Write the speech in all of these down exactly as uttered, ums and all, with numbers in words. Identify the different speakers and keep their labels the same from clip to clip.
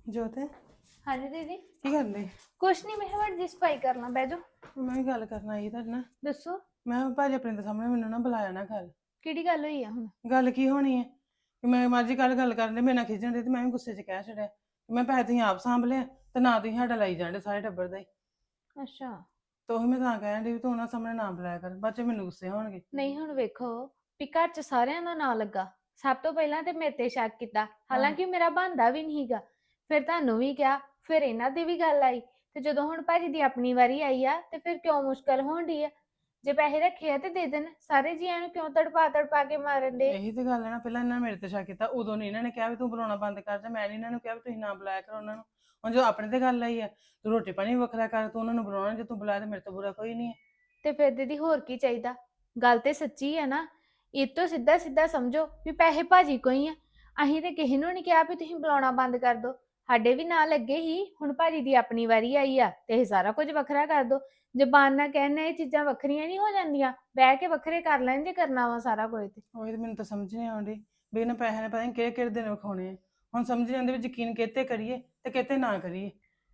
Speaker 1: ਜੋਤ
Speaker 2: हाँ जी दीदी।
Speaker 1: ਕੀ ਕਰਦੇ?
Speaker 2: कुछ नहीं, मैं हमारी जी सफाई करना बह जाओ।
Speaker 1: ਮੈਂ ਵੀ ਗੱਲ ਕਰਨ ਆਈ ਤੁਹਾਡੇ ਨਾਲ।
Speaker 2: दसो
Speaker 1: ਮੈਂ ਕਿਹਾ ਭਾਜੀ ਆਪਣੇ ਦੇ ਸਾਹਮਣੇ ਮੈਨੂੰ ਨਾ ਬੁਲਾਇਆ ਨਾ ਕਰ।
Speaker 2: ਕਿਹੜੀ ਗੱਲ ਹੋਈ ਆ ਹੁਣ?
Speaker 1: ਗੱਲ ਕੀ ਹੋਣੀ ਹੈ ਕਿ ਮੈਂ ਮਾਜੀ ਕੱਲ ਗੱਲ ਕਰਨ ਦੇ ਮੇਰੇ ਨਾਲ ਖਿਜਣ ਦੇ ਤੇ ਮੈਂ ਵੀ ਗੁੱਸੇ 'ਚ ਕਹਿ ਛੱਡਿਆ ਕਿ ਮੈਂ ਪੈਸੇ ਤੁਸੀਂ ਆਪ ਸਾਂਭ ਲਿਆ ਤੇ ਨਾ ਤੁਸੀਂ ਸਾਡਾ ਲਾਈ ਜਾਂਦੇ ਸਾਰੇ ਟੱਬਰ ਦਾ ਹੀ।
Speaker 2: ਅੱਛਾ।
Speaker 1: ਤਾਂ ਉਹੀ ਮੈਂ ਤਾਂ ਕਹਿਣ ਡਈ ਵੀ ਤੂੰ ਉਹਨਾਂ ਸਾਹਮਣੇ ਨਾ ਬੁਲਾਇਆ ਕਰ, ਬਾਅਦ 'ਚ ਮੈਨੂੰ ਗੁੱਸੇ ਹੋਣਗੇ।
Speaker 2: ਨਹੀਂ ਹੁਣ ਵੇਖੋ ਵੀ ਘਰ ਚ ਸਾਰਿਆਂ ਦਾ ਨਾਂ ਲੱਗਾ, ਸਭ ਤੋਂ ਪਹਿਲਾਂ ਤੇ ਮੇਰੇ ਤੇ ਸ਼ੱਕ ਕੀਤਾ, ਹਾਲਾਂਕਿ ਮੇਰਾ ਬੰਦਾ ਵੀ ਨਹੀਂਗਾ। ਫਿਰ ਤੁਹਾਨੂੰ ਵੀ ਕਿਹਾ, ਫਿਰ ਇਹਨਾਂ ਦੀ ਵੀ ਗੱਲ ਆਈ, ਤੇ ਜਦੋਂ ਹੁਣ ਭਾਜੀ ਦੀ ਆਪਣੀ ਵਾਰੀ ਆਈ ਆ ਤੇ ਫਿਰ ਕਿਉਂ ਮੁਸ਼ਕਲ ਹੋਣ ਡਈ ਆ? ਜੇ ਪੈਸੇ ਰੱਖੇ ਆ ਤੇ ਦੇ ਦੇਣ, ਸਾਰੇ ਜੀਆਂ ਨੂੰ ਕਿਉਂ ਤੜਪਾ ਤੜਪਾ ਕੇ ਮਾਰਨ ਦੇ?
Speaker 1: ਇਹੀ ਤੇ ਗੱਲ ਹੈ ਨਾ, ਪਹਿਲਾਂ ਇਹਨਾਂ ਨੇ ਮੇਰੇ ਤੇ ਸ਼ੱਕ ਕੀਤਾ, ਉਦੋਂ ਨਹੀਂ ਇਹਨਾਂ ਨੇ ਕਿਹਾ ਵੀ ਤੂੰ ਬੁਲਾਉਣਾ ਬੰਦ ਕਰ ਜਾ। ਮੈਂ ਨਹੀਂ ਇਹਨਾਂ ਨੂੰ ਕਿਹਾ ਵੀ ਤੁਸੀਂ ਨਾ ਬੁਲਾਇਆ ਕਰੋ ਉਹਨਾਂ ਨੂੰ। ਹੁਣ ਜੋ ਆਪਣੇ ਤੇ ਗੱਲ ਆਈ ਹੈ, ਤੂੰ ਰੋਟੀ ਪਾਣੀ ਵੱਖਰਾ ਕਰ, ਤੂੰ ਉਹਨਾਂ ਨੂੰ ਬੁਲਾਉਣਾ, ਜੇ ਤੂੰ ਬੁਲਾਇਆ ਤੇ ਮੇਰੇ ਤੋਂ ਬੁਰਾ ਕੋਈ ਨਹੀਂ ਹੈ।
Speaker 2: ਤੇ ਫਿਰ ਦੀਦੀ ਹੋਰ ਕੀ ਚਾਹੀਦਾ? ਗੱਲ ਤੇ ਸੱਚੀ ਹੈ ਨਾ। ਇਹ ਤੋਂ ਸਿੱਧਾ ਸਿੱਧਾ ਸਮਝੋ ਵੀ ਪੈਸੇ ਭਾਜੀ ਕੋਈ ਆ। ਅਸੀਂ ਤੇ ਕਿਸੇ ਨੂੰ ਨਹੀਂ ਕਿਹਾ ਵੀ ਤੁਸੀਂ ਬੁਲਾਉਣਾ ਬੰਦ ਕਰ ਦੋ, ਸਾਡੇ ਵੀ ਨਾਲ ਲੱਗੇ ਹੀ। ਹੁਣ ਭਾਜੀ ਦੀ ਆਪਣੀ ਵਾਰੀ ਆਈ ਆ ਤੇ ਇਹ ਸਾਰਾ ਕੁਝ ਵੱਖਰਾ ਕਰ ਦੋ। ਜ਼ਬਾਨ ਨਾਲ ਕਹਿਣਾ ਇਹ ਚੀਜ਼ਾਂ ਵੱਖਰੀਆਂ ਨਹੀਂ ਹੋ ਜਾਂਦੀਆਂ, ਬਹਿ ਕੇ ਵੱਖਰੇ ਕਰ ਲੈਣ ਜੇ ਕਰਨਾ ਵਾ ਸਾਰਾ ਕੁਝ ਤੇ।
Speaker 1: ਉਹੀ ਤੇ ਮੈਨੂੰ ਤਾਂ ਸਮਝ ਨਹੀਂ ਆਉਂਦੀ ਵੀ ਇਹਨਾਂ ਪੈਸਿਆਂ ਨੇ ਪਤਾ ਨਹੀਂ ਕਿਹੜੇ ਕਿਹੜੇ ਦਿਨ ਵਿਖਾਉਣੇ ਆ। ਹੁਣ ਸਮਝ ਨਹੀਂ ਆਉਂਦੀ ਵੀ ਯਕੀਨ ਕਿਤੇ ਕਰੀਏ ਤੇ ਕਿਤੇ ਨਾ ਕਰੀਏ।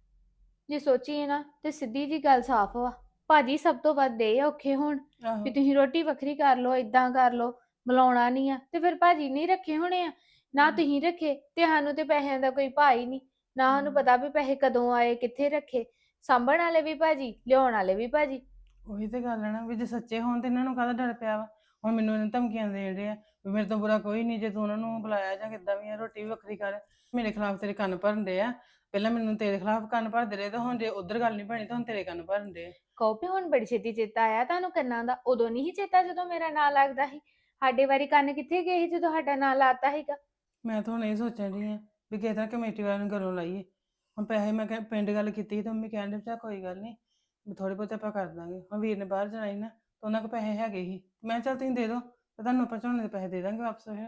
Speaker 2: ਜੇ ਸੋਚੀਏ ਨਾ ਤੇ ਸਿੱਧੀ ਜੀ ਗੱਲ ਸਾਫ਼ ਵਾ, ਭਾਜੀ ਸਭ ਤੋਂ ਵੱਧ ਦੇ ਔਖੇ ਹੋਣ
Speaker 1: ਆਹੋ
Speaker 2: ਵੀ ਤੁਸੀਂ ਰੋਟੀ ਵੱਖਰੀ ਕਰ ਲਓ, ਇਦਾਂ ਕਰ ਲਓ, ਬੁਲਾਉਣਾ ਨਹੀਂ ਆ। ਤੇ ਫਿਰ ਭਾਜੀ ਨਹੀਂ ਰੱਖੇ ਹੋਣੇ ਆ ਨਾ, ਤੁਸੀਂ ਰੱਖੇ ਤੇ ਸਾਨੂੰ ਤੇ ਪੈਸਿਆਂ ਦਾ ਕੋਈ ਭਾਅ ਹੀ ਨਹੀਂ ਨਾ। ਸਾਨੂੰ ਪਤਾ ਵੀ ਪੈਸੇ ਕਦੋਂ ਆਏ, ਕਿੱਥੇ ਰੱਖੇ। ਸਾਂਭਣ ਵਾਲੇ ਵੀ ਭਾਜੀ, ਲਿਆਉਣ ਵਾਲੇ ਵੀ ਭਾਜੀ।
Speaker 1: ਉਹੀ ਤੇ ਗੱਲ ਹੈ ਨਾ, ਵੀ ਜੇ ਸੱਚੇ ਹੋਣ ਤੇ ਇਹਨਾਂ ਨੂੰ ਕਾਹਦਾ ਡਰ ਪਿਆ ਵਾ। ਹੁਣ ਮੈਨੂੰ ਇਹਨਾਂ ਧਮਕੀਆਂ ਦੇ ਰਹੇ ਆ ਵੀ ਮੇਰੇ ਤੋਂ ਬੁਰਾ ਕੋਈ ਨਹੀਂ ਜੇ ਤੂੰ ਉਹਨਾਂ ਨੂੰ ਬੁਲਾਇਆ ਜਾਂ ਕਿੱਦਾਂ ਵੀ ਆ, ਰੋਟੀ ਵੀ ਵੱਖਰੀ ਕਰ। ਮੇਰੇ ਖਿਲਾਫ ਤੇਰੇ ਕੰਨ ਭਰਨ ਦੇ ਆ। ਪਹਿਲਾਂ ਮੈਨੂੰ ਤੇਰੇ ਖਿਲਾਫ ਕੰਨ ਭਰਦੇ ਰਹੇ, ਤੇ ਹੁਣ ਜੇ ਉਧਰ ਗੱਲ ਨਹੀਂ ਬਣੀ ਤਾਂ ਹੁਣ ਤੇਰੇ ਕੰਨ ਭਰਨ ਦੇ ਆ।
Speaker 2: ਕਹੋ ਵੀ ਹੁਣ ਬੜੀ ਛੇਤੀ ਚੇਤਾ ਆਇਆ ਤੁਹਾਨੂੰ ਕੰਨਾਂ ਦਾ? ਉਦੋਂ ਨਹੀਂ ਸੀ ਚੇਤਾ ਜਦੋਂ ਮੇਰਾ ਨਾਂ ਲੱਗਦਾ ਸੀ। ਸਾਡੇ ਵਾਰੀ ਕੰਨ ਕਿੱਥੇ ਗਏ ਸੀ ਜਦੋਂ ਸਾਡਾ ਨਾਂ ਲਾਤਾ ਸੀਗਾ?
Speaker 1: ਮੈਂ ਤਾਂ ਹੁਣ ਇਹ ਸੋਚਣ ਡਈ ਆ ਵੀ ਕਿਸੇ ਤਰ੍ਹਾਂ ਕਮੇਟੀ ਵਾਲਿਆਂ ਨੂੰ ਘਰੋਂ ਲਾਈਏ। ਹੁਣ ਪੈਸੇ ਮੈਂ ਕਹਿ ਪਿੰਡ ਗੱਲ ਕੀਤੀ ਤਾਂ ਮੰਮੀ ਕਹਿਣ ਦੇ ਚਾ ਕੋਈ ਗੱਲ ਨਹੀਂ ਵੀ ਥੋੜੇ ਬਹੁਤੇ ਆਪਾਂ ਕਰ ਦਾਂਗੇ। ਹੁਣ ਵੀਰ ਨੇ ਬਾਹਰ ਜਾਣਾ ਸੀ ਨਾ ਤਾਂ ਉਹਨਾਂ ਕੋਲ ਪੈਸੇ ਹੈਗੇ ਸੀ, ਮੈਂ ਚੱਲ ਤੁਸੀਂ ਦੇ ਦਿਓ ਤੇ ਤੁਹਾਨੂੰ ਆਪਾਂ ਝੋਨੇ ਦੇ ਪੈਸੇ ਦੇ ਦਾਂਗੇ ਵਾਪਸ। ਫਿਰ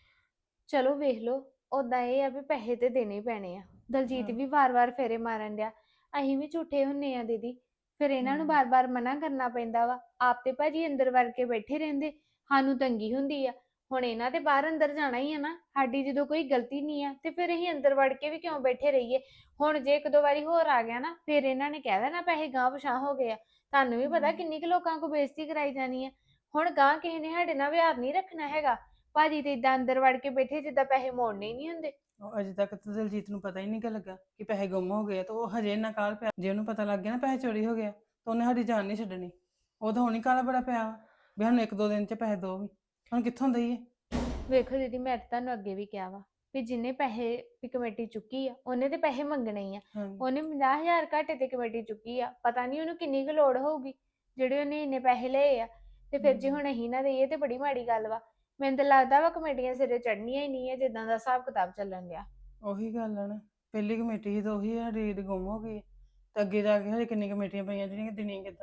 Speaker 2: ਚਲੋ ਵੇਖ ਲਓ, ਉਦਾਂ ਇਹ ਆ ਵੀ ਪੈਸੇ ਤੇ ਦੇਣੇ ਹੀ ਪੈਣੇ ਆ। ਦਲਜੀਤ ਵੀ ਵਾਰ-ਵਾਰ ਫੇਰੇ ਮਾਰਨ ਡਿਆ, ਅਸੀਂ ਵੀ ਝੂਠੇ ਹੁੰਨੇ ਆ ਦੀਦੀ। ਫਿਰ ਇਹਨਾਂ ਨੂੰ ਬਾਰ-ਬਾਰ ਮਨਾ ਕਰਨਾ ਪੈਂਦਾ ਵਾ। ਆਪ ਤੇ ਭਾਜੀ ਅੰਦਰ ਵੜ ਕੇ ਬੈਠੇ ਰਹਿੰਦੇ, ਸਾਨੂੰ ਤੰਗੀ ਹੁੰਦੀ ਆ। ਹੁਣ ਇਹਨਾਂ ਤੇ ਬਾਹਰ ਅੰਦਰ ਜਾਣਾ ਹੀ ਆ ਨਾ। ਸਾਡੀ ਜਦੋਂ ਕੋਈ ਗਲਤੀ ਨਹੀਂ ਆ ਤੇ ਫਿਰ ਅਸੀਂ ਅੰਦਰ ਵੜ ਕੇ ਵੀ ਕਿਉਂ ਬੈਠੇ ਰਹੀਏ? ਹੁਣ ਜੇ ਇੱਕ ਦੋ ਵਾਰੀ ਹੋਰ ਆ ਗਿਆ ਨਾ, ਫਿਰ ਇਹਨਾਂ ਨੇ ਕਹਿ ਦੇਣਾ ਪੈਸੇ ਗਾਂਹ ਪਛਾਂ ਹੋ ਗਏ ਆ। ਤੁਹਾਨੂੰ ਵੀ ਪਤਾ ਕਿੰਨੀ ਕੁ ਲੋਕਾਂ ਕੋ ਬੇਇੱਜ਼ਤੀ ਕਰਾਈ ਜਾਣੀ ਆ। ਹੁਣ ਗਾਂਹ ਕਿਸੇ ਨੇ ਸਾਡੇ ਨਾਲ ਵਿਹਾਰ ਨਹੀਂ ਰੱਖਣਾ ਹੈਗਾ। ਭਾਜੀ ਤੇ ਇਦਾਂ ਅੰਦਰ ਵੜ ਕੇ ਬੈਠੇ ਜਿੱਦਾਂ ਪੈਸੇ ਮੋੜਨੇ ਹੀ ਨਹੀਂ ਹੁੰਦੇ।
Speaker 1: ਉਹ ਅਜੇ ਤੱਕ ਤਾਂ ਦਲਜੀਤ ਨੂੰ ਪਤਾ ਹੀ ਨਹੀਂ ਲੱਗਾ ਕਿ ਪੈਸੇ ਗੁੰਮ ਹੋ ਗਏ ਆ, ਤਾਂ ਉਹ ਹਜੇ ਇੰਨਾ ਕਾਲ ਪਿਆ। ਜੇ ਉਹਨੂੰ ਪਤਾ ਲੱਗ ਗਿਆ ਨਾ ਪੈਸੇ ਚੋਰੀ ਹੋ ਗਿਆ ਤਾਂ ਉਹਨੇ ਸਾਡੀ ਜਾਨ ਨਹੀਂ ਛੱਡਣੀ। ਉਹ ਤਾਂ ਹੁਣ ਹੀ ਕਾਲਾ ਬੜਾ ਪਿਆ ਵਾ ਵੀ ਸਾਨੂੰ ਇੱਕ ਦੋ ਦਿਨ 'ਚ ਪੈਸੇ ਦਿਓ। ਵੀ ਹੁਣ ਕਿੱਥੋਂ ਦਈਏ?
Speaker 2: ਵੇਖੋ ਦੀਦੀ, ਮੈਂ ਤਾਂ ਤੁਹਾਨੂੰ ਅੱਗੇ ਵੀ ਕਿਹਾ ਵਾ ਵੀ ਜਿੰਨੇ ਪੈਸੇ ਦੀ ਕਮੇਟੀ ਚੁੱਕੀ ਆ ਉਹਨੇ ਤੇ ਪੈਸੇ ਮੰਗਣੇ ਹੀ ਆ। ਉਹਨੇ ਪੰਜਾਹ ਹਜ਼ਾਰ ਘਾਟੇ ਤੇ ਕਮੇਟੀ ਚੁੱਕੀ ਆ, ਪਤਾ ਨਹੀਂ ਉਹਨੂੰ ਕਿੰਨੀ ਕੁ ਲੋੜ ਹੋਊਗੀ ਜਿਹੜੇ ਉਹਨੇ ਇੰਨੇ ਪੈਸੇ ਲਏ ਆ। ਤੇ ਫਿਰ ਜੇ ਹੁਣ ਅਸੀਂ ਨਾ ਦੇਈਏ ਤੇ ਬੜੀ ਮਾੜੀ ਗੱਲ ਵਾ। ਮੈਨੂੰ ਤਾਂ ਲੱਗਦਾ ਵਾ ਕਮੇਟੀਆਂ ਸਿਰੇ ਚੜ੍ਹਨੀਆਂ ਹੀ ਨਹੀਂ ਹੈ ਜਿੱਦਾਂ ਦਾ ਹਿਸਾਬ ਕਿਤਾਬ ਚੱਲਣ ਡਿਆ।
Speaker 1: ਉਹੀ ਗੱਲ ਆ ਨਾ, ਪਹਿਲੀ ਕਮੇਟੀ ਸੀ ਤਾਂ ਉਹੀ ਸਾਡੀ ਗੁੰਮ ਹੋ ਗਈ ਤੇ ਅੱਗੇ ਜਾ ਕੇ ਹਜੇ ਕਿੰਨੀ ਕਮੇਟੀਆਂ ਪਈਆਂ ਜਿਹੜੀਆਂ ਦੇਣੀਆਂ ਕਿੱਦਾਂ।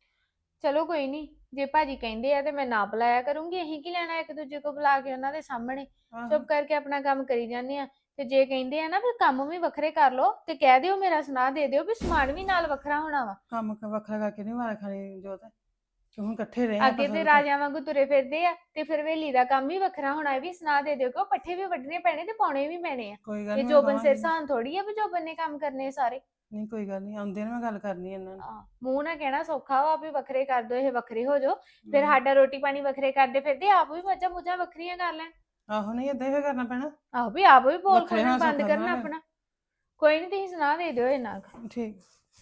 Speaker 2: ਚਲੋ ਕੋਈ ਨਹੀਂ, ਜੇ ਭਾਜੀ ਕਹਿੰਦੇ ਆ ਤੇ ਮੈਂ ਨਾ ਬੁਲਾਇਆ ਕਰੂੰਗੀ। ਅਸੀਂ ਕੀ ਲੈਣਾ ਇੱਕ ਦੂਜੇ ਕੋ ਬੁਲਾ ਕੇ ਉਹਨਾਂ ਦੇ ਸਾਹਮਣੇ? ਚੁੱਪ ਕਰਕੇ ਆਪਣਾ ਕੰਮ ਕਰੀ ਜਾਂਦੇ ਆ। ਤੇ ਜੇ ਕਹਿੰਦੇ ਆ ਨਾ ਵੀ ਕੰਮ ਵੀ ਵੱਖਰੇ ਕਰ ਲਓ ਤੇ ਕਹਿ ਦਿਓ, ਮੇਰਾ ਸੁਣਾ ਦੇ ਦਿਓ ਵੀ ਸਮਾਨ ਵੀ ਨਾਲ ਵੱਖਰਾ ਹੋਣਾ ਵਾ।
Speaker 1: ਕੰਮ ਵੱਖਰਾ ਕਰਕੇ ਨਹੀਂ ਮਾਰ ਖਾਣੀ ਜੋਤ, ਕਿ ਹੁਣ ਇਕੱਠੇ ਰਹੇ
Speaker 2: ਅੱਗੇ ਤੇ ਰਾਜਿਆਂ ਵਾਂਗੂ ਤੁਰੇ ਫਿਰਦੇ ਆ ਤੇ ਫਿਰ ਵੇਲੀ ਦਾ ਕੰਮ ਵੀ ਵੱਖਰਾ ਹੋਣਾ। ਇਹ ਵੀ ਸੁਣਾ ਦੇ ਦਿਓ ਕਿ ਉਹ ਪੱਠੇ ਵੀ ਵੱਢਣੇ ਪੈਣੇ ਤੇ ਪਾਉਣੇ ਵੀ ਪੈਣੇ ਆ।
Speaker 1: ਕੋਈ ਗੱਲ
Speaker 2: ਇਹ
Speaker 1: ਨਹੀਂ
Speaker 2: ਜੋਬਨ ਸਿਰ ਸਾਨ ਥੋੜੀ ਆ ਵੀ ਜੋਬਨ ਨੇ ਕੰਮ ਕਰਨੇ ਸਾਰੇ।
Speaker 1: ਨਹੀਂ ਕੋਈ ਗੱਲ ਨਹੀਂ, ਆਉਂਦੇ ਨੇ ਮੈਂ ਗੱਲ ਕਰਨੀ ਇਹਨਾਂ ਨਾਲ।
Speaker 2: ਮੂੰਹ ਨਾ ਕਹਿਣਾ ਸੌਖਾ ਵਾ ਵੀ ਵੱਖਰੇ ਕਰ ਦੋ, ਇਹ ਵੱਖਰੇ ਹੋ ਜਾਓ। ਫਿਰ ਸਾਡਾ ਰੋਟੀ ਪਾਣੀ ਵੱਖਰੇ ਕਰਦੇ ਫਿਰਦੇ, ਆਪ ਵੀ ਮੱਝਾਂ ਮੁੱਝਾਂ ਵੱਖਰੀਆਂ ਕਰ ਲੈਣ।
Speaker 1: ਆਹੋ ਨਹੀਂ ਏਦਾਂ ਹੀ ਕਰਨਾ ਪੈਣਾ।
Speaker 2: ਆਹੋ ਵੀ ਆਪ ਵੀ ਬੋਲ ਖੋਲਣਾ ਬੰਦ ਕਰਨਾ ਆਪਣਾ। ਕੋਈ ਨਹੀਂ, ਤੁਸੀਂ ਸੁਣਾ ਦੇ ਦਿਓ ਇਹਨਾਂ ਕੁ।
Speaker 1: ਠੀਕ।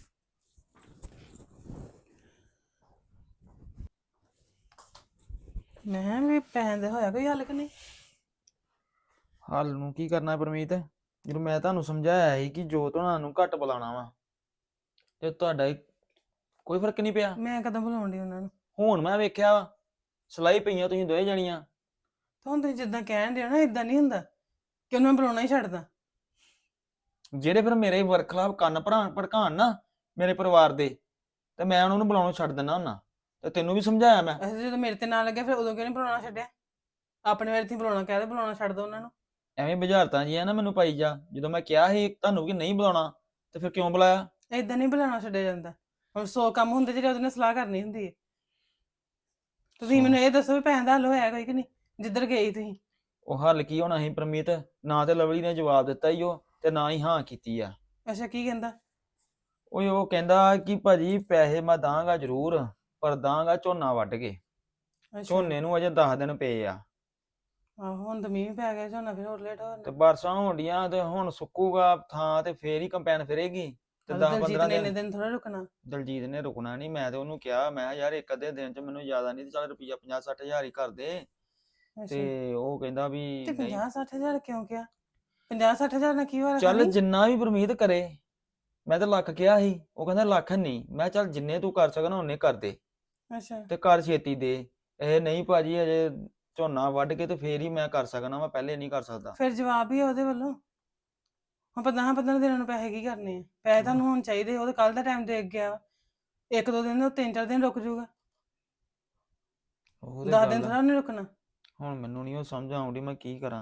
Speaker 1: ਮੈਂ ਵੀ ਪੈਸੇ ਦੇ ਹੋਇਆ ਕੋਈ ਹੱਲ ਕਿ ਨਹੀਂ?
Speaker 3: ਹੱਲ ਨੂੰ ਕੀ ਕਰਨਾ ਪਰਮੀਤ? ਜਦੋਂ ਮੈਂ ਤੁਹਾਨੂੰ ਸਮਝਾਇਆ ਸੀ ਕਿ ਜੋਤ ਹੋਣਾ ਨੂੰ ਘੱਟ ਬੁਲਾਉਣਾ ਵਾ ਤੇ ਤੁਹਾਡਾ ਕੋਈ ਫਰਕ ਨਹੀਂ ਪਿਆ।
Speaker 1: ਮੈਂ ਕਦੋਂ ਬੁਲਾਉਣ ਦੀ ਉਹਨਾਂ ਨੂੰ?
Speaker 3: ਹੁਣ ਮੈਂ ਵੇਖਿਆ ਵਾ ਸਲਾਈ ਪਈਆਂ ਤੁਸੀਂ ਦੋਵੇਂ ਜਣੀਆਂ।
Speaker 1: ਤਾਂ ਹੁਣ ਤੁਸੀਂ ਜਿੱਦਾਂ ਕਹਿਣ ਦੇ ਨਾ ਇਦਾਂ ਨਹੀਂ ਹੁੰਦਾ ਕਿ ਉਹਨੂੰ ਮੈਂ ਬੁਲਾਉਣਾ ਹੀ ਛੱਡਦਾ।
Speaker 3: ਜਿਹੜੇ ਫਿਰ ਮੇਰੇ ਵਰਕ ਖਿਲਾਫ ਕੰਨ ਭਰਾ ਭੜਕਾਣ ਨਾ ਮੇਰੇ ਪਰਿਵਾਰ ਦੇ, ਤੇ ਮੈਂ ਉਹਨਾਂ ਨੂੰ ਬੁਲਾਉਣੋਂ ਛੱਡ ਦਿੰਦਾ ਹੁੰਦਾ। ਤੇ ਤੈਨੂੰ ਵੀ ਸਮਝਾਇਆ ਮੈਂ।
Speaker 1: ਅਸੀਂ ਜਦੋਂ ਮੇਰੇ ਤੇ ਨਾ ਲੱਗਿਆ ਫਿਰ ਉਦੋਂ ਕਿਉਂ ਨਹੀਂ ਬੁਲਾਉਣਾ ਛੱਡਿਆ? ਆਪਣੇ ਵਾਰੀ ਤੁਸੀਂ ਬੁਲਾਉਣਾ ਕਹਿ ਦੇ, ਬੁਲਾਉਣਾ ਛੱਡ ਦੋ ਉਹਨਾਂ ਨੂੰ।
Speaker 3: ਐਵੇਂ ਬੁਝਾਰਤਾਂ ਜੀ ਆ ਨਾ ਮੈਨੂੰ ਪਾਈ ਜਾ। ਜਦੋਂ ਮੈਂ ਕਿਹਾ ਸੀ ਤੁਹਾਨੂੰ ਕਿ ਨਹੀਂ ਬੁਲਾਉਣਾ ਤੇ ਫਿਰ ਕਿਉਂ ਬੁਲਾਇਆ?
Speaker 1: ਏਦਾਂ ਨਹੀਂ ਬੁਲਾਉਣਾ ਛੱਡਿਆ ਜਾਂਦਾ। ਹੁਣ ਸੌ ਕੰਮ ਹੁੰਦੇ ਜਿਹੜੇ ਉਹਦੇ ਨਾਲ ਸਲਾਹ ਕਰਨੀ ਹੁੰਦੀ ਹੈ। ਤੁਸੀਂ ਮੈਨੂੰ ਇਹ ਦੱਸੋ ਵੀ ਪੈਸੇ ਦਾ ਹੱਲ ਹੋਇਆ ਕੋਈ ਕਿ ਨਹੀਂ ਜਿੱਧਰ ਗਏ ਤੁਸੀਂ?
Speaker 3: ਉਹ ਹੱਲ ਕੀ ਹੋਣਾ ਸੀ ਪਰਮੀਤ? ਨਾ ਤੇ ਲਵਲੀ ਨੇ ਜਵਾਬ ਦਿੱਤਾ ਹੀ ਉਹ, ਤੇ ਨਾ ਹੀ ਹਾਂ ਕੀਤੀ ਆ।
Speaker 1: ਅੱਛਾ ਕੀ ਕਹਿੰਦਾ?
Speaker 3: ਉਹ ਉਹ ਕਹਿੰਦਾ ਕਿ ਭਾਜੀ ਪੈਸੇ ਮੈਂ ਦਾਂਗਾ ਜ਼ਰੂਰ, ਪਰ ਦਾਂਗਾ ਝੋਨਾ ਵੱਢ ਕੇ।
Speaker 1: ਅੱਛਾ
Speaker 3: ਝੋਨੇ ਨੂੰ ਅਜੇ ਦਸ ਦਿਨ ਪਏ ਆ
Speaker 1: ਆਹੋ ਹੁਣ ਤਾਂ ਮੀਂਹ ਵੀ ਪੈ ਗਿਆ, ਝੋਨਾ ਫਿਰ ਹੋਰ ਲੇਟ ਹੋ
Speaker 3: ਤੇ
Speaker 1: ਜਾਣਾ।
Speaker 3: ਬਰਸਾਂ ਹੋਣ ਡੀਆਂ ਤੇ ਹੁਣ ਸੁੱਕੂਗਾ ਥਾਂ ਤੇ ਫੇਰ ਹੀ ਕੰਪੈਨ ਫਿਰੇਗੀ ਤੇ
Speaker 1: ਹਾਂ,
Speaker 3: ਦਸ
Speaker 1: ਦਲਜੀਤ
Speaker 3: ਪੰਦਰਾਂ
Speaker 1: ਨੇ ਇੰਨੇ
Speaker 3: ਦਿਨ।
Speaker 1: ਦਿਨ ਥੋੜਾ ਰੁਕਣਾ।
Speaker 3: ਦਲਜੀਤ ਨੇ ਰੁਕਣਾ ਨਹੀਂ। ਮੈਂ ਤੇ ਉਹਨੂੰ ਕਿਹਾ, ਮੈਂ ਕਿਹਾ ਯਾਰ ਇੱਕ ਅੱਧੇ ਦਿਨ ਚ ਮੈਨੂੰ ਜ਼ਿਆਦਾ ਨਹੀਂ ਤੇ ਚੱਲ ਰੁਪਈਆ ਪੰਜਾਹ ਸੱਠ ਹਜ਼ਾਰ ਹੀ ਕਰ ਦੇ।
Speaker 1: ਅੱਛਾ
Speaker 3: ਤੇ ਉਹ ਕਹਿੰਦਾ ਵੀ
Speaker 1: ਤੇ
Speaker 3: ਨਹੀਂ।
Speaker 1: ਪੰਜਾਹ ਸੱਠ ਹਜ਼ਾਰ ਕਿਉਂ ਕਿਹਾ? ਪੰਜਾਹ ਸੱਠ ਹਜ਼ਾਰ ਨਾਲ ਕੀ ਹੋਇਆ
Speaker 3: ਚੱਲ
Speaker 1: ਖਾਣੀ?
Speaker 3: ਜਿੰਨਾ ਵੀ ਪਰਮੀਤ ਕਰੇ। ਮੈਂ ਤਾਂ ਲੱਖ ਕਿਹਾ ਸੀ, ਉਹ ਕਹਿੰਦਾ ਲੱਖ ਨਹੀਂ। ਮੈਂ ਕਿਹਾ ਚੱਲ ਜਿੰਨੇ ਤੂੰ ਕਰ ਸਕਣਾ ਉਹਨੇ ਕਰ ਦੇ
Speaker 1: ਅੱਛਾ
Speaker 3: ਤੇ ਕਰ ਛੇਤੀ ਦੇ। ਇਹ ਨਹੀਂ ਭਾਜੀ ਅਜੇ ਝੋਨਾ ਵੱਢ ਕੇ ਤੇ ਫੇਰ ਹੀ ਮੈਂ ਕਰ ਸਕਣਾ, ਮੈਂ ਪਹਿਲੇ ਨਹੀਂ ਕਰ ਸਕਦਾ।
Speaker 1: ਫਿਰ ਜਵਾਬ ਹੀ ਆ ਉਹਦੇ ਵੱਲੋਂ। ਹੁਣ ਪੰਦਰਾਂ ਪੰਦਰਾਂ ਦਿਨਾਂ ਨੂੰ ਪੈਸੇ ਕੀ ਕਰਨੇ ਆ? ਪੈਸੇ ਤੁਹਾਨੂੰ ਹੁਣ ਚਾਹੀਦੇ, ਉਹ ਤਾਂ ਕੱਲ ਦਾ ਟਾਈਮ ਦੇ ਗਿਆ ਵਾ। ਇੱਕ ਦੋ ਦਿਨ, ਤਿੰਨ ਚਾਰ ਦਿਨ ਰੁਕ ਜਾਊਗਾ,
Speaker 3: ਉਹ ਤੇ
Speaker 1: ਦਸ ਦਿਨ
Speaker 3: ਗੱਲ ਆ।
Speaker 1: ਥੋੜਾ ਨਹੀਂ ਰੁਕਣਾ।
Speaker 3: ਹੁਣ ਮੈਨੂੰ ਨਹੀਂ ਉਹ ਸਮਝ ਆਉਂਦੀ ਮੈਂ ਕੀ ਕਰਾਂ।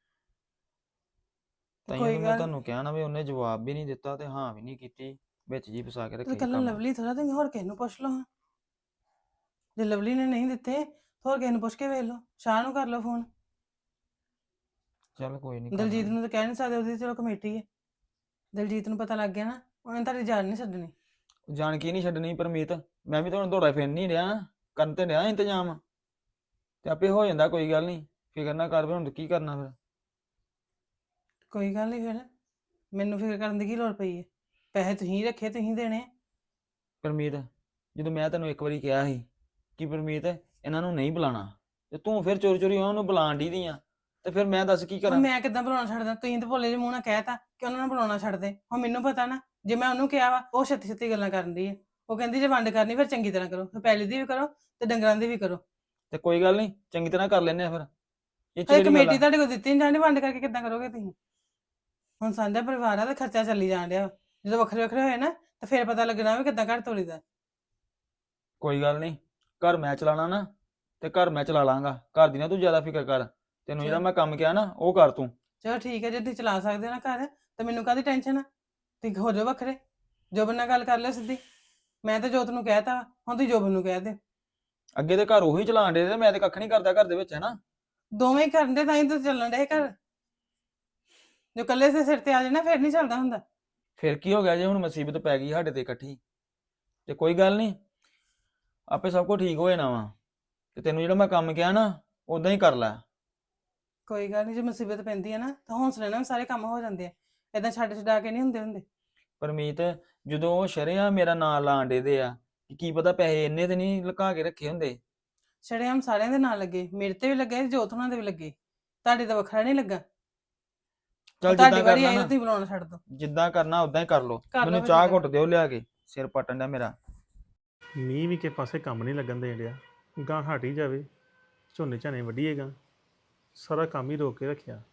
Speaker 1: ਤੇ
Speaker 3: ਤਾਈਓ
Speaker 1: ਕੋਈ
Speaker 3: ਤਾਂ ਮੈਂ
Speaker 1: ਗੱਲ
Speaker 3: ਤੁਹਾਨੂੰ ਕਿਹਾ ਨਾ ਵੀ ਉਹਨੇ ਜਵਾਬ ਵੀ ਨਹੀਂ ਦਿੱਤਾ ਤੇ ਹਾਂ ਵੀ ਨਹੀਂ ਕੀਤੀ, ਵਿੱਚ ਜੀ ਫਸਾ ਕੇ
Speaker 1: ਤੇ
Speaker 3: ਰੱਖਿਆ
Speaker 1: ਕੱਲ
Speaker 3: ਕੰਮ।
Speaker 1: ਲਵਲੀ ਥੋੜਾ ਤੇ ਹੋਰ ਕਿਸੇ ਨੂੰ ਪੁੱਛ ਲਓ ਹਾਂ। ਜੇ ਲਵਲੀ ਨੇ ਨਹੀਂ ਦਿੱਤੇ ਹੋਰ ਕਿਸੇ ਨੂੰ ਪੁੱਛ ਕੇ ਵੇਖ ਲਓ, ਸ਼ਾਹ ਨੂੰ ਕਰ ਲਓ ਫੋਨ।
Speaker 3: ਚੱਲ ਕੋਈ ਨਹੀਂ
Speaker 1: ਦਲਜੀਤ
Speaker 3: ਕਰਨਾ।
Speaker 1: ਨੂੰ ਤਾਂ ਕਹਿ ਨਹੀਂ ਸਕਦੇ, ਉਹਦੀ ਚਲੋ ਕਮੇਟੀ ਹੈ। ਦਲਜੀਤ ਨੂੰ ਪਤਾ ਲੱਗ ਗਿਆ ਨਾ, ਉਹਨੇ ਤੁਹਾਡੀ ਜਾਨ ਨਹੀਂ ਛੱਡਣੀ।
Speaker 3: ਜਾਣ ਕੀ ਨਹੀਂ ਛੱਡਣੀ ਪਰਮੀਤ, ਮੈਂ ਵੀ ਤੁਹਾਨੂੰ ਦੌੜਾ ਫਿਰ ਨਹੀਂ ਰਿਹਾ, ਕਰਨ ਤੇ ਰਿਹਾ ਇੰਤਜ਼ਾਮ ਤੇ ਆਪੇ ਹੋ ਜਾਂਦਾ। ਕੋਈ ਗੱਲ ਨਹੀਂ, ਫਿਕਰ ਨਾ ਕਰ। ਵੀ ਹੁਣ ਕੀ ਕਰਨਾ ਫਿਰ?
Speaker 1: ਕੋਈ ਗੱਲ ਨਹੀਂ, ਫਿਰ ਮੈਨੂੰ ਫਿਕਰ ਕਰਨ ਦੀ ਕੀ ਲੋੜ ਪਈ ਹੈ? ਪੈਸੇ ਤੁਸੀਂ ਰੱਖੇ, ਤੁਸੀਂ ਦੇਣੇ ਆ।
Speaker 3: ਪਰਮੀਤ ਜਦੋਂ ਮੈਂ ਤੈਨੂੰ ਇੱਕ ਵਾਰੀ ਕਿਹਾ ਸੀ ਕਿ ਪਰਮੀਤ ਇਹਨਾਂ ਨੂੰ ਨਹੀਂ ਬੁਲਾਣਾ, ਤੇ ਤੂੰ ਫਿਰ ਚੋਰੀ ਚੋਰੀ ਉਹਨਾਂ ਨੂੰ ਬੁਲਾਣ ਦੀ ਦੀਆਂ, ਤੇ ਫਿਰ ਮੈਂ ਦੱਸ ਕੀ
Speaker 1: ਹੁਣ
Speaker 3: ਕਰਾਂ?
Speaker 1: ਮੈਂ ਕਿੱਦਾਂ ਬੁਲਾਉਣਾ ਛੱਡਦਾ? ਤੁਸੀਂ ਤਾਂ ਭੋਲੇ ਜਿਹੇ ਮੂੰਹ ਨਾਲ ਕਹਿਤਾ ਕਿ ਉਹਨਾਂ ਨੂੰ ਬੁਲਾਉਣਾ ਛੱਡ ਦੇ। ਹੁਣ ਮੈਨੂੰ ਪਤਾ ਨਾ, ਜੇ ਮੈਂ ਉਹਨੂੰ ਕਿਹਾ ਵਾ ਉਹ ਛੇਤੀ ਛੇਤੀ ਗੱਲਾਂ ਕਰਨ ਦੀ ਹੈ। ਉਹ ਕਹਿੰਦੀ ਜੇ ਵੰਡ ਕਰਨੀ ਫਿਰ ਚੰਗੀ ਤਰ੍ਹਾਂ ਕਰੋ, ਫਿਰ ਪੈਲੀ ਦੀ ਵੀ ਕਰੋ ਤੇ ਡੰਗਰਾਂ ਦੀ ਵੀ ਕਰੋ।
Speaker 3: ਤੇ ਕੋਈ ਗੱਲ ਨਹੀਂ, ਚੰਗੀ ਤਰ੍ਹਾਂ ਕਰ ਲੈਨੇ ਆ ਫਿਰ। ਇਹ ਚ
Speaker 1: ਹਏ
Speaker 3: ਕਿਹੜੀ ਗੱਲ
Speaker 1: ਕਮੇਟੀ
Speaker 3: ਆ?
Speaker 1: ਤੁਹਾਡੇ ਕੋਲ ਦਿੱਤੀ ਨਹੀਂ ਜਾਂਦੀ, ਵੰਡ ਕਰਕੇ ਕਿੱਦਾਂ ਕਰੋਗੇ ਤੁਸੀਂ? ਹੁਣ ਸਾਂਝਾ ਪਰਿਵਾਰ ਆ ਤੇ ਖਰਚਾ ਚੱਲੀ ਜਾਣ ਡਿਆ ਵਾ। ਜਦੋਂ ਵੱਖਰੇ ਵੱਖਰੇ ਹੋਏ ਨਾ ਤਾਂ ਫਿਰ ਪਤਾ ਲੱਗਣਾ ਵੀ ਕਿੱਦਾਂ ਘਰ ਤੋਲੀਦਾ।
Speaker 3: ਕੋਈ ਗੱਲ ਨਹੀਂ, ਘਰ ਮੈਂ ਚਲਾਣਾ ਨਾ ਤੇ ਘਰ ਮੈਂ ਚਲਾ ਲਾਂਗਾ। ਘਰ ਦੀ ਨਾ ਤੂੰ ਜ਼ਿਆਦਾ ਫਿਕਰ ਕਰ। ਤੈਨੂੰ ਜਿਹੜਾ
Speaker 1: ਚਲੋ
Speaker 3: ਮੈਂ ਕੰਮ ਕਿਹਾ ਨਾ ਉਹ ਕਰ ਤੂੰ।
Speaker 1: ਚਲੋ ਠੀਕ ਹੈ, ਜੇ ਤੁਸੀਂ ਚਲਾ ਸਕਦੇ ਹੋ ਨਾ ਘਰ, ਤਾਂ ਮੈਨੂੰ ਕਾਹਦੀ ਟੈਨਸ਼ਨ ਆ? ਤੁਸੀਂ ਹੋ ਜਾਓ ਵੱਖਰੇ, ਜੋਬਨ ਨਾਲ ਗੱਲ ਕਰ ਲਿਓ ਸਿੱਧੀ। ਮੈਂ ਤਾਂ ਜੋਤ ਨੂੰ ਕਹਿਤਾ ਵਾ, ਹੁਣ ਤੁਸੀਂ ਜੋਬਨ ਨੂੰ ਕਹਿ ਦਿਓ।
Speaker 3: ਅੱਗੇ ਤੇ ਘਰ ਉਹੀ ਚਲਾਣ ਦੇ ਤੇ ਮੈਂ ਤੇ ਕੱਖ ਨਹੀਂ ਕਰਦਾ ਘਰ ਦੇ ਵਿੱਚ, ਹੈ ਨਾ।
Speaker 1: ਦੋਵੇਂ ਹੀ ਕਰਨ ਦੇ ਤਾਂ ਹੀ ਤਾਂ ਚੱਲਣ ਡਿਆ ਇਹ ਘਰ। ਜੋ ਇਕੱਲੇ ਦੇ ਸਿਰ ਤੇ ਆ ਜਾਏ ਨਾ ਫਿਰ ਨਹੀਂ ਚੱਲਦਾ ਹੁੰਦਾ।
Speaker 3: ਫਿਰ ਕੀ ਹੋ ਗਿਆ ਜੇ ਹੁਣ ਮੁਸੀਬਤ ਪੈ ਗਈ ਸਾਡੇ ਤੇ ਇਕੱਠੀ? ਤੇ ਕੋਈ ਗੱਲ ਨਹੀਂ, ਆਪੇ ਸਭ ਕੁਝ ਠੀਕ ਹੋ ਜਾਣਾ ਵਾ। ਤੇ ਤੈਨੂੰ ਜਿਹੜਾ ਮੈਂ ਕੰਮ ਕਿਹਾ ਨਾ ਉਦਾਂ ਹੀ ਕਰ ਲੈ।
Speaker 1: ਕੋਈ ਗੱਲ ਨਹੀਂ, ਜੇ ਮੁਸੀਬਤ ਪੈਂਦੀ ਹੈ ਨਾ ਤਾਂ ਹੌਸਲੇ ਨਾਲ ਵੀ ਸਾਰੇ ਕੰਮ ਹੋ ਜਾਂਦੇ ਆ। ਏਦਾਂ ਛੱਡ ਛਡਾ ਕੇ ਨਹੀਂ ਹੁੰਦੇ ਹੁੰਦੇ।
Speaker 3: ਪਰਮੀਤ ਜਦੋਂ ਉਹ ਸ਼ਰੇਆਮ ਮੇਰਾ ਨਾਂ ਲਾਣ ਡੇ ਦੇ ਆ ਕਿ ਕੀ ਪਤਾ ਪੈਸੇ ਇੰਨੇ ਤੇ ਨਹੀਂ ਲੁਕਾ ਕੇ ਰੱਖੇ ਹੁੰਦੇ।
Speaker 1: ਸ਼ਰੇਆਮ ਸਾਰਿਆਂ ਦੇ ਨਾਲ ਲੱਗੇ, ਮੇਰੇ ਤੇ ਵੀ ਲੱਗੇ, ਜੋਤ ਉਹਨਾਂ ਦੇ ਵੀ ਲੱਗੇ, ਤੁਹਾਡੇ ਤਾਂ ਵੱਖਰਾ ਨਹੀਂ ਲੱਗਾ।
Speaker 3: ਚੱਲ
Speaker 1: ਤੁਹਾਡੀ
Speaker 3: ਜਿੱਦਾਂ
Speaker 1: ਵਾਰੀ
Speaker 3: ਕਰਨਾ
Speaker 1: ਆਈ ਤਾਂ
Speaker 3: ਨਾ,
Speaker 1: ਤੁਸੀਂ ਬੁਲਾਉਣਾ ਛੱਡ ਦੋ।
Speaker 3: ਜਿੱਦਾਂ ਕਰਨਾ ਉਦਾਂ ਹੀ ਕਰ ਲੋ।
Speaker 1: ਕਰ ਲਓ
Speaker 3: ਮੈਨੂੰ
Speaker 1: ਫਿਰ
Speaker 3: ਚਾਹ
Speaker 1: ਜਿੱਦਾਂ
Speaker 3: ਘੁੱਟ ਦਿਓ ਲਿਆ ਕੇ, ਸਿਰ ਪਟਣ ਦਾ ਮੇਰਾ।
Speaker 4: ਮੀਂਹ ਵੀ ਕਿਸੇ ਪਾਸੇ ਕੰਮ ਨਹੀਂ ਲੱਗਣ ਦੇਣ ਡਿਆ। ਗਾਂ ਹਟ ਹੀ ਜਾਵੇ, ਝੋਨੇ ਝਾਨੇ ਵੱਢੀਏਗਾ, ਸਾਰਾ ਕੰਮ ਹੀ ਰੋਕ ਕੇ ਰੱਖਿਆ।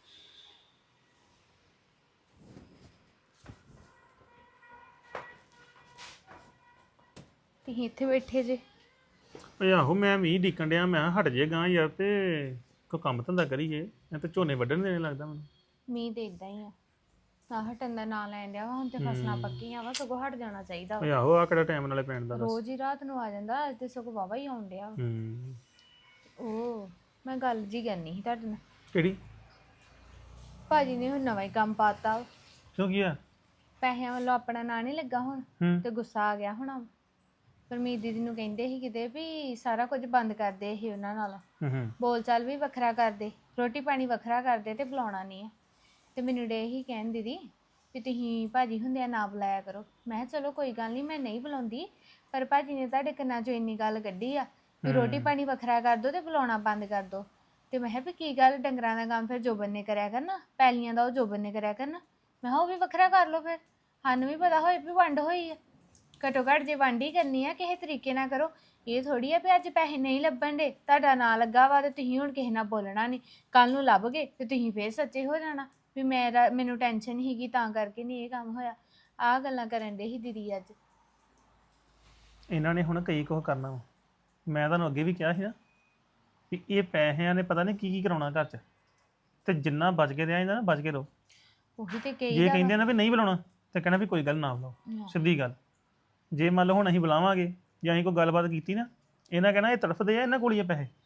Speaker 2: ਤੁਸੀਂ ਇੱਥੇ ਬੈਠੇ ਜੇ?
Speaker 4: ਓਏ ਆਹੋ, ਮੈਂ ਮੀਂਹ ਡੀਕਣ ਡਿਆ, ਮੈਂ ਕਿਹਾ ਹਟ ਜੇ ਗਾਂ ਯਾਰ, ਤੇ ਕੋਈ ਕੰਮ ਧੰਦਾ ਕਰੀਏ। ਮੈਂ ਤਾਂ ਝੋਨੇ ਵੱਢਣ ਦੇਣੇ ਲੱਗਦਾ ਮੈਨੂੰ।
Speaker 2: ਮੀਂਹ ਤੇ ਇਦਾਂ ਹੀ ਆ, ਨਾ ਹਟਣ ਦਾ ਨਾਂ ਲੈਣ ਡਿਆ ਵਾ। ਹੁਣ ਤੇ ਫਸਲਾਂ ਪੱਕੀਆਂ ਵਾ, ਸਗੋਂ ਹਟ ਜਾਣਾ ਚਾਹੀਦਾ
Speaker 4: ਓਏ
Speaker 2: ਵਾ।
Speaker 4: ਆਹੋ, ਆ ਕਿਹੜਾ ਟਾਈਮ ਨਾਲੇ ਪੈਣ ਦਾ ਦੱਸ।
Speaker 2: ਰੋਜ਼ ਹੀ ਰਾਤ ਨੂੰ ਆ ਜਾਂਦਾ, ਅੱਜ ਤੇ ਸਗੋਂ ਵਾਵਾ ਹੀ ਆਉਣ ਡਿਆ ਵਾ।
Speaker 4: ਹੂੰ।
Speaker 2: ਉਹ ਮੈਂ ਗੱਲ ਜੀ ਕਰਨੀ ਸੀ ਤੁਹਾਡੇ ਨਾਲ।
Speaker 4: ਕਿਹੜੀ?
Speaker 2: ਭਾਜੀ ਨੇ ਹੁਣ ਨਵਾਂ ਹੀ ਕੰਮ ਪਾਤਾ ਵਾ।
Speaker 4: ਕਿਉਂ ਕੀ ਆ?
Speaker 2: ਪੈਸਿਆਂ ਵੱਲੋਂ ਆਪਣਾ ਨਾਂ ਨਹੀਂ ਲੱਗਾ ਹੁਣ,
Speaker 4: ਹੂੰ।
Speaker 2: ਤੇ ਗੁੱਸਾ ਆ ਗਿਆ ਹੋਣਾ। ਪਰਮੀਤ ਦੀਦੀ ਨੂੰ ਕਹਿੰਦੇ ਸੀ ਕਿਤੇ ਵੀ ਸਾਰਾ ਕੁਝ ਬੰਦ ਕਰਦੇ ਇਹ ਉਹਨਾਂ ਨਾਲ,
Speaker 4: ਹੂੰ ਹੂੰ
Speaker 2: ਬੋਲ ਚਾਲ ਵੀ ਵੱਖਰਾ ਕਰਦੇ, ਰੋਟੀ ਪਾਣੀ ਵੱਖਰਾ ਕਰਦੇ, ਤੇ ਬੁਲਾਉਣਾ ਨਹੀਂ ਆ। ਤੇ ਮੈਨੂੰ ਡੇ ਹੀ ਕਹਿਣ ਦੀਦੀ ਵੀ ਤੁਸੀਂ ਭਾਜੀ ਹੁੰਦਿਆਂ ਨਾ ਬੁਲਾਇਆ ਕਰੋ। ਮੈਂ ਕਿਹਾ ਚਲੋ ਕੋਈ ਗੱਲ ਨਹੀਂ, ਮੈਂ ਨਹੀਂ ਬੁਲਾਉਂਦੀ, ਪਰ ਭਾਜੀ ਨੇ ਤੁਹਾਡੇ ਕੰਨਾਂ 'ਚੋਂ ਇੰਨੀ ਗੱਲ ਕੱਢੀ ਆ ਵੀ ਰੋਟੀ ਪਾਣੀ ਵੱਖਰਾ ਕਰ ਦਿਓ ਤੇ ਬੁਲਾਉਣਾ ਬੰਦ ਕਰ ਦਿਓ। ਤੇ ਮੈਂ ਕਿਹਾ ਵੀ ਕੀ ਗੱਲ, ਡੰਗਰਾਂ ਦਾ ਕੰਮ ਫਿਰ ਜੋਬਨ ਨੇ ਕਰਿਆ ਕਰਨਾ, ਪੈਲੀਆਂ ਦਾ ਉਹ ਜੋਬਨ ਨੇ ਕਰਿਆ ਕਰਨਾ। ਮੈਂ ਕਿਹਾ ਉਹ ਵੀ ਵੱਖਰਾ ਕਰ ਲਓ, ਫਿਰ ਸਾਨੂੰ ਵੀ ਪਤਾ ਹੋਏ ਵੀ ਵੰਡ ਹੋਈ ਆ। ਘੱਟੋ ਘੱਟ ਜੇ ਵੰਡ ਹੀ ਕਰਨੀ ਆ ਕਿਸੇ ਤਰੀਕੇ ਨਾਲ ਕਰੋ। ਇਹ ਥੋੜੀ ਆ ਵੀ ਅੱਜ ਪੈਸੇ ਨਹੀਂ ਲੱਭਣ ਦੇ, ਤੁਹਾਡਾ ਨਾਂ ਲੱਗਾ ਵਾ ਤੇ ਤੁਸੀਂ ਹੁਣ ਕਿਸੇ ਨਾਲ ਬੋਲਣਾ ਨਹੀਂ, ਕੱਲ ਨੂੰ ਲੱਭ ਗਏ ਤੇ ਤੁਸੀਂ ਫੇਰ ਸੱਚੇ ਹੋ ਜਾਣਾ ਵੀ ਮੇਰਾ ਮੈਨੂੰ ਟੈਨਸ਼ਨ ਸੀਗੀ ਤਾਂ ਕਰਕੇ ਨਹੀਂ ਇਹ ਕੰਮ ਹੋਇਆ। ਆਹ ਗੱਲਾਂ ਕਰਨ ਦੇ ਸੀ ਦੀਦੀ ਅੱਜ।
Speaker 4: ਇਹਨਾਂ ਨੇ ਹੁਣ ਕਈ ਕੁਝ ਕਰਨਾ ਵਾ। ਮੈਂ ਤੁਹਾਨੂੰ ਅੱਗੇ ਵੀ ਕਿਹਾ ਸੀ ਨਾ ਵੀ ਇਹ ਪੈਸਿਆਂ ਨੇ ਪਤਾ ਨਹੀਂ ਕੀ ਕੀ ਕਰਾਉਣਾ ਘਰ 'ਚ, ਤੇ ਜਿੰਨਾ ਬਚ ਕੇ ਰਿਹਾ ਜਾਂਦਾ ਨਾ ਬਚ ਕੇ ਰਹੋ।
Speaker 2: ਉਹੀ ਤੇ ਕਹੀ
Speaker 4: ਜੇ ਕਹਿੰਦੇ ਨਾ ਵੀ ਨਹੀਂ ਬੁਲਾਉਣਾ ਤੇ ਕਹਿਣਾ ਵੀ ਕੋਈ ਗੱਲ ਨਾ ਬੁਲਾਓ, ਸਿੱਧੀ ਗੱਲ। ਜੇ ਮੰਨ ਲਓ ਹੁਣ ਅਸੀਂ ਬੁਲਾਵਾਂਗੇ ਜਾਂ ਅਸੀਂ ਕੋਈ ਗੱਲਬਾਤ ਕੀਤੀ ਨਾ, ਇਹਨਾਂ ਕਹਿਣਾ ਇਹ ਤੜਫਦੇ ਆ, ਇਹਨਾਂ ਕੋਲ ਹੀ ਆ ਪੈਸੇ।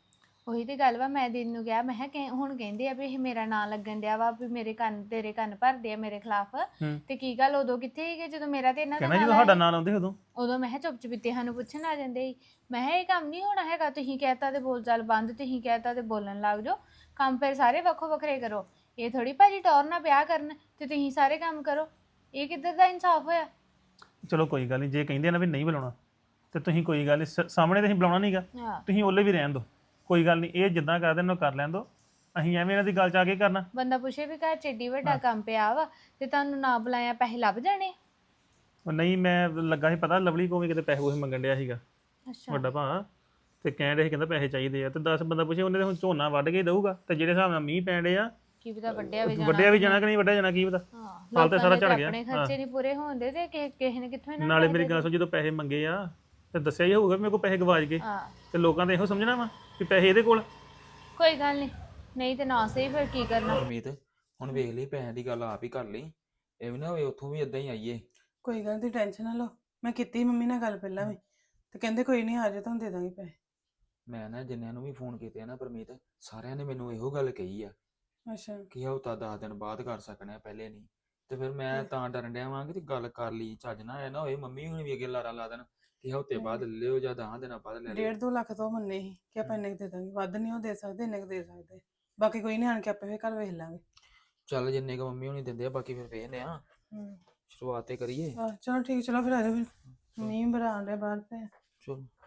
Speaker 2: ਉਹੀ ਤੇ ਗੱਲ ਵਾ, ਮੈਂ ਦਿਨ ਨੂੰ ਕਿਹਾ ਮੈਂ ਕਿਹਾ ਕਿ ਹੁਣ ਕਹਿੰਦੇ ਆ ਵੀ ਇਹ ਮੇਰਾ ਨਾਂ ਲੱਗਣ ਡਿਆ ਵਾ ਵੀ ਮੇਰੇ ਕੰਨ ਤੇਰੇ ਕੰਨ ਭਰਦੇ ਆ ਮੇਰੇ ਖਿਲਾਫ।
Speaker 4: ਹੂੰ।
Speaker 2: ਤੇ ਕੀ ਗੱਲ ਉਦੋਂ ਕਿੱਥੇ ਸੀਗੇ ਜਦੋਂ ਮੇਰਾ ਤੇ ਇਹਨਾਂ ਦਾ
Speaker 4: ਕਹਿਣਾ
Speaker 2: ਨਾਂ
Speaker 4: ਜਦੋਂ ਸਾਡਾ
Speaker 2: ਲਾਇਆ?
Speaker 4: ਨਾਂ ਲਾਉਂਦੇ ਉਦੋਂ
Speaker 2: ਉਦੋਂ ਮੈਂ ਕਿਹਾ ਚੁੱਪ ਚੁਪੀਤੇ ਸਾਨੂੰ ਪੁੱਛਣ ਆ ਜਾਂਦੇ ਸੀ। ਮੈਂ ਕਿਹਾ ਇਹ ਕੰਮ ਨਹੀਂ ਹੋਣਾ ਹੈਗਾ, ਤੁਸੀਂ ਕਹਿਤਾ ਤੇ ਬੋਲ ਚਾਲ ਬੰਦ, ਤੁਸੀਂ ਕਹਿਤਾ ਤੇ ਬੋਲਣ ਲੱਗ ਜਾਓ। ਕੰਮ ਫਿਰ ਸਾਰੇ ਵੱਖੋ ਵੱਖਰੇ ਕਰੋ। ਇਹ ਥੋੜੀ ਭਾਜੀ ਟੌਰ ਨਾਲ ਵਿਆਹ ਕਰਨ ਤੇ ਤੁਸੀਂ ਸਾਰੇ ਕੰਮ ਕਰੋ। ਇਹ ਕਿੱਧਰ ਦਾ ਇਨਸਾਫ ਹੋਇਆ?
Speaker 4: ਚਲੋ ਕੋਈ ਗੱਲ ਨਹੀਂ, ਜੇ ਕਹਿੰਦੇ ਆ ਨਾ ਵੀ ਨਹੀਂ ਬੁਲਾਉਣਾ ਤੇ ਤੁਸੀਂ ਕੋਈ ਗੱਲ ਨਹੀਂ, ਸਾਹਮਣੇ ਤੇ ਅਸੀਂ ਬੁਲਾਉਣਾ ਨਹੀਂਗਾ,
Speaker 2: ਹਾਂ,
Speaker 4: ਤੁਸੀਂ ਉਹਲੇ ਵੀ ਰਹਿਣ ਦਿਓ, ਕੋਈ ਗੱਲ ਨਹੀਂ। ਇਹ ਜਿੱਦਾਂ ਕਰਦੇ ਨੇ ਉਹ ਕਰ ਲੈਣ ਦਿਓ, ਅਸੀਂ ਐਵੇਂ ਇਹਨਾਂ ਦੀ ਗੱਲ ਚ ਆ ਕੇ ਕਰਨਾ।
Speaker 2: ਬੰਦਾ ਪੁੱਛੇ ਵੀ ਘਰ ਚ ਏਡੀ ਵੱਡਾ ਕੰਮ ਪਿਆ ਵਾ ਤੇ ਤੁਹਾਨੂੰ ਨਾ ਬੁਲਾਇਆ ਪੈਸੇ ਲੱਭ ਜਾਣੇ।
Speaker 4: ਉਹ ਨਹੀਂ, ਮੈਂ ਲੱਗਾ ਸੀ ਪਤਾ ਲਵਲੀ ਕੋਲ ਵੀ ਕਿਤੇ ਪੈਸੇ ਉਹ ਮੰਗਣ ਡਿਆ ਸੀਗਾ
Speaker 2: ਅੱਛਾ,
Speaker 4: ਵੱਡਾ ਭਾ, ਤੇ ਕਹਿਣ ਡਿਆ ਸੀ ਕਹਿੰਦਾ ਪੈਸੇ ਚਾਹੀਦੇ ਆ। ਤੇ ਦਸ ਬੰਦਾ ਪੁੱਛੇ, ਉਹਨੇ ਤੇ ਹੁਣ ਝੋਨਾ ਵੱਢ ਕੇ ਦਊਗਾ, ਤੇ ਜਿਹੜੇ ਹਿਸਾਬ ਨਾਲ ਮੀਂਹ ਪੈਣ ਡਿਆ
Speaker 2: ਕੀ ਪਤਾ ਵੱਡਿਆ ਵੀ ਜਾਣਾ।
Speaker 4: ਵੱਡਿਆ ਵੀ ਜਾਣਾ ਕਿ ਨਹੀਂ ਵੱਡਿਆ ਜਾਣਾ ਕੀ ਪਤਾ।
Speaker 2: ਹਾਂ,
Speaker 4: ਹਾਲ ਤੇ
Speaker 2: ਲੋਕਾਂ
Speaker 4: ਸਾਰਾ
Speaker 2: ਦੇ
Speaker 4: ਝੜ
Speaker 2: ਤਾਂ
Speaker 4: ਗਿਆ।
Speaker 2: ਆਪਣੇ ਖਰਚੇ ਨਹੀਂ ਪੂਰੇ ਹੋਣਦੇ ਤੇ ਕਿਸੇ ਕਿਸੇ ਨੇ ਕਿੱਥੋਂ ਇਹਨਾਂ ਨੂੰ
Speaker 4: ਨਾਲੇ
Speaker 2: ਪੈਸੇ
Speaker 4: ਮੇਰੀ
Speaker 2: ਦੇ
Speaker 4: ਗੱਲ ਸੁਣ, ਜਦੋਂ ਪੈਸੇ ਮੰਗੇ ਆ ਤੇ ਦੱਸਿਆ ਹੀ ਹੋਊਗਾ ਵੀ ਮੇਰੇ ਕੋਲ ਪੈਸੇ ਗਵਾਚ ਗਏ,
Speaker 2: ਹਾਂ,
Speaker 4: ਤੇ ਲੋਕਾਂ ਨੇ ਇਹੋ ਸਮਝਣਾ ਵਾ ਕਿ ਪੈਸੇ ਇਹਦੇ ਕੋਲ।
Speaker 2: ਕੋਈ ਗੱਲ ਨਹੀਂ, ਨਹੀਂ ਤੇ ਨਾ ਸਹੀ ਫਿਰ ਕੀ ਕਰਨਾ।
Speaker 3: ਪਰਮੀਤ ਹੁਣ ਵੇਖ ਲਈ, ਪੈਸਿਆਂ ਦੀ ਗੱਲ ਆਪ ਹੀ ਕਰ ਲਈ, ਇਹ ਵੀ ਨਾ ਹੋਵੇ ਉੱਥੋਂ ਵੀ ਇਦਾਂ ਹੀ ਆਈਏ।
Speaker 1: ਕੋਈ ਗੱਲ ਦੀ ਟੈਨਸ਼ਨ ਨਾ ਲਓ, ਮੈਂ ਕੀਤੀ ਮੰਮੀ ਨਾਲ ਗੱਲ ਪਹਿਲਾਂ ਵੀ, ਤੇ ਕਹਿੰਦੇ ਕੋਈ ਨਹੀਂ ਆ ਜਾ ਤੁਹਾਨੂੰ ਦੇ ਦਾਂਗੇ ਪੈਸੇ।
Speaker 3: ਮੈਂ ਨਾ ਜਿੰਨਿਆਂ ਨੂੰ ਵੀ ਫੋਨ ਕੀਤੇ ਆ ਨਾ ਪਰਮੀਤ, ਸਾਰਿਆਂ ਨੇ ਮੈਨੂੰ ਇਹੋ ਗੱਲ ਕਹੀ ਆ
Speaker 1: ਅੱਛਾ,
Speaker 3: ਕਿ ਹਫ਼ਤਾ ਦਸ ਦਿਨ ਬਾਅਦ ਕਰ ਸਕਣਾ, ਪਹਿਲੇ ਨਹੀਂ। ਤੇ ਫਿਰ ਮੈਂ ਤਾਂ ਡਰਨ ਡਿਆ ਵਾਂ ਕਿ ਗੱਲ ਕਰ ਲਈ ਚੱਜ ਨਾ ਇਹ ਨਾ ਹੋਏ ਮੰਮੀ ਹੁਣ ਵੀ ਅੱਗੇ ਲਾਰਾ ਲਾ ਦੇਣ ਕਿ ਹਫ਼ਤੇ ਬਾਅਦ ਲੈ ਲਿਓ ਜਾਂ ਦਸ ਦਿਨਾਂ ਬਾਅਦ ਲੈ ਲਿਓ।
Speaker 1: ਡੇਢ ਦੋ ਲੱਖ ਤੋਂ ਮੰਨੇ ਸੀ ਕਿ ਆਪਾਂ ਇੰਨੇ ਕੁ ਦੇ ਦਾਂਗੇ, ਵੱਧ ਨਹੀਂ ਉਹ ਦੇ ਸਕਦੇ, ਇੰਨੇ ਕੁ ਦੇ ਸਕਦੇ। ਬਾਕੀ ਕੋਈ ਨਹੀਂ, ਆਣ ਕੇ ਆਪੇ ਫਿਰ ਘਰ ਵੇਖ ਲਾਂਗੇ।
Speaker 3: ਚੱਲ ਜਿੰਨੇ ਕੁ ਮੰਮੀ ਹੁਣੀ ਦਿੰਦੇ ਆ, ਬਾਕੀ ਫਿਰ ਵੇਖਦੇ ਆ,
Speaker 1: ਹੂੰ,
Speaker 3: ਸ਼ੁਰੂਆਤ ਤੇ ਕਰੀਏ।
Speaker 1: ਆਹ ਚਲੋ ਠੀਕ, ਚਲੋ ਫਿਰ ਆ ਜਾਓ ਫਿਰ, ਮੀਂਹ ਬਰਾ ਆਉਣ ਡਿਆ ਬਾਹਰ ਤੇ।
Speaker 3: ਚਲੋ।